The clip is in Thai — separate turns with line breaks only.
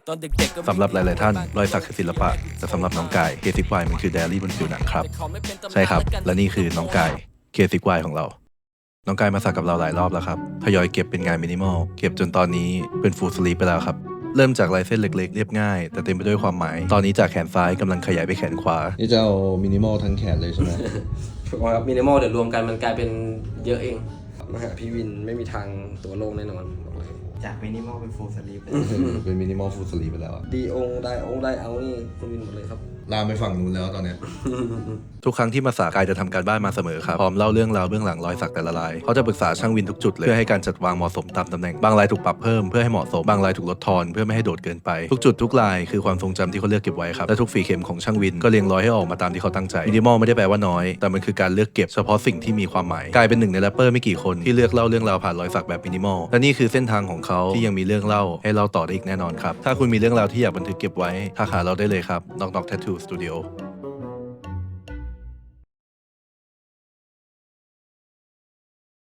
สำหรับหลายๆท่านรอยสักคือศิลปะแต่สำหรับน้องกายเคซิกวายมันคือไดอารี่บนผิวหนังครับใช่ครับและนี่คือน้องกายเคซิกวายของเราน้องกายมาสักกับเราหลายรอบแล้วครับทยอยเก็บเป็นงานมินิมอลเก็บจนตอนนี้เป็นฟูลสลีปไปแล้วครับเริ่มจากลายเส้นเล็กๆเรียบง่ายแต่เต็มไปด้วยความหมายตอนนี้จากแขนซ้ายกำลังขยายไปแขนขวานี่จะเอามินิมอลทั้งแขนเลยใช่ไหม
ถูกครับมินิมอลเดี๋ยวรวมกันมันกลายเป็นเยอะเองมาหาพี่วินไม่มีทางตัวโล่งแน่นอนบอกเลย
จากมินิมอลเป็นฟูลสลีป
เป็นมินิมอลฟูลสลีปไปแล้ว
ดีได้เอานี่คุณวินหมดเลยครับ
ลามไปฝั่งนู้นแล้วตอนเนี้ย ทุกครั้งที่มาสักกายจะทำการบ้านมาเสมอครับพร้อมเล่าเรื่องราวเบื้องหลังรอยสักแต่ละลายเขาจะปรึกษาช่างวินทุกจุดเลยเพื่อให้การจัดวางเหมาะสมตามตำแหน่งบางลายถูกปรับเพิ่มเพื่อให้เหมาะสมบางลายถูกลดทอนเพื่อไม่ให้โดดเกินไปทุกจุดทุกลายคือความทรงจำที่เขาเลือกเก็บไว้ครับและทุกฝีเข็มของช่างวินก็เรียงร้อยให้ออกมาตามที่เขาตั้งใจมินิมอลไม่ได้แปลว่าน้อยแต่มันคือการเลือกเก็บเฉพาะสิ่งที่มีความหมายกลายเป็นหนึ่งในแรปเปอร์ไม่กี่คนที่เลือกเล่าเรื่องราวผ่านรอยสักแบบมินิมอลและนี่คือเส้นทางของเขาที่ยังมีเรื่องเล่าให้เล่าต่อได้อีกแน่นอนครับถ้าคุณมีเรื่องราวที่อยากบันทึกเก็บไว้ทักหาเราได้เลยครับ Knock Knock Tattoo Studio